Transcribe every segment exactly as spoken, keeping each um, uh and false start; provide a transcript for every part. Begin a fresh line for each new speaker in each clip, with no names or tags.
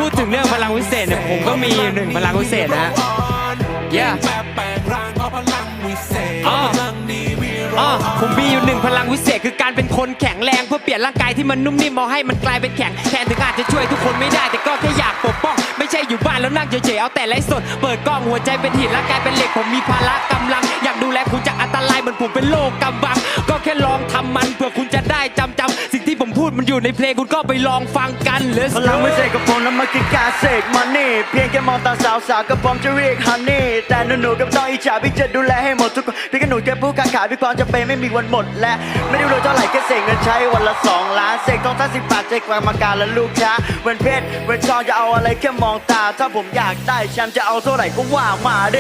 ดถึงเรื่องพลังวิเศษเนี่ยผมก็มีหนึ่งพลังวิเศษนะฮะเย้อ๋ออ๋อผมมีอยู่หนึ่งพลังวิเศษคือการเป็นคนแข็งแรงเพื่อเปลี่ยนร่างกายที่มันนุ่มนิ่มเอาให้มันกลายเป็นแข็งแทนถึงอาจจะช่วยทุกคนไม่ได้แต่ก็แค่อยากปกป้องไม่ใช่อยู่บ้านแล้วนั่งเฉยๆเอาแต่ไร้สดเปิดกล้องหัวใจเป็นหินร่างกายเป็นเหล็กผมมีพละกำลังอยากดูแลคุณจากอันตรายเหมือนผมเป็นโลกกำบังก็แค่ลองทำมันเพื่อคุณจะได้จำจำสิ่งที่ผมพูดมันอยู่ในเพลงคุณก็ไปลองฟังกันเลย
พลังวิเศษกับผมนั้นมันคือการเสกมันนี่เพียงแค่มองตาสาวสาวก็พร้อมจะเรียกฮันนี่แต่หนูๆกับต้องอิจฉาพี่จะดูแลให้หมดทุกคนพี่กับหนูแค่ผู้ค้าขายพี่ความจะเป็นไม่มีวันหมดและไม่ได้รวยเท่าไหร่แค่เสกเงินใช้วันละสองล้านเสกทองทั้งสิบบาทใจกลางมาการและลูกค้าเวนเพชรเวนทองจะเอาอะไรแค่มองตาถ้าผมอยากได้แชมป์จะเอาเท่าไหร่ก็ว่ามาดิ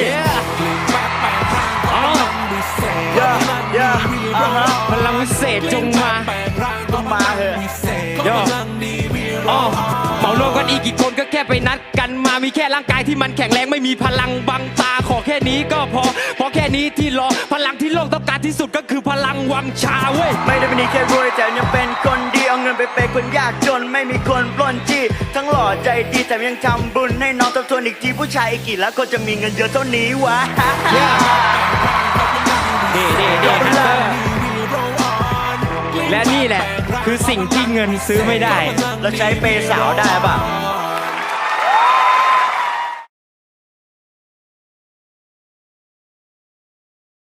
พลังวิเศษจงมา
จงมาเถอะ
โยอ๋อเหมารวมกันอีกกี่คนก็แค่ไปนัดกันมามีแค่ร่างกายที่มันแข็งแรงไม่มีพลังบังตาขอแค่นี้ก็พอเพราะแค่นี้ที่รอพลังที่โลกต้องการที่สุดก็คือพลังวังชาเว้ย
ไม่ได้เป็นแค่รวยแต่ยังเป็นคนดีเอาเงินไปเปย์คนยากจนไม่มีคนปล้นจี้ทั้งหล่อใจดีแต่ยังทำบุญให้น้องทบทวนอีกทีผู้ชายอีกกี่แล้วคนจะมีเงินเยอะเท่านี้วะ
เด่เด่เด่ฮันเตอร์และนี่แหละคือสิ่งที่เงินซื้อไม่ได้
เราใช้เปย์สาวได้ป่ะ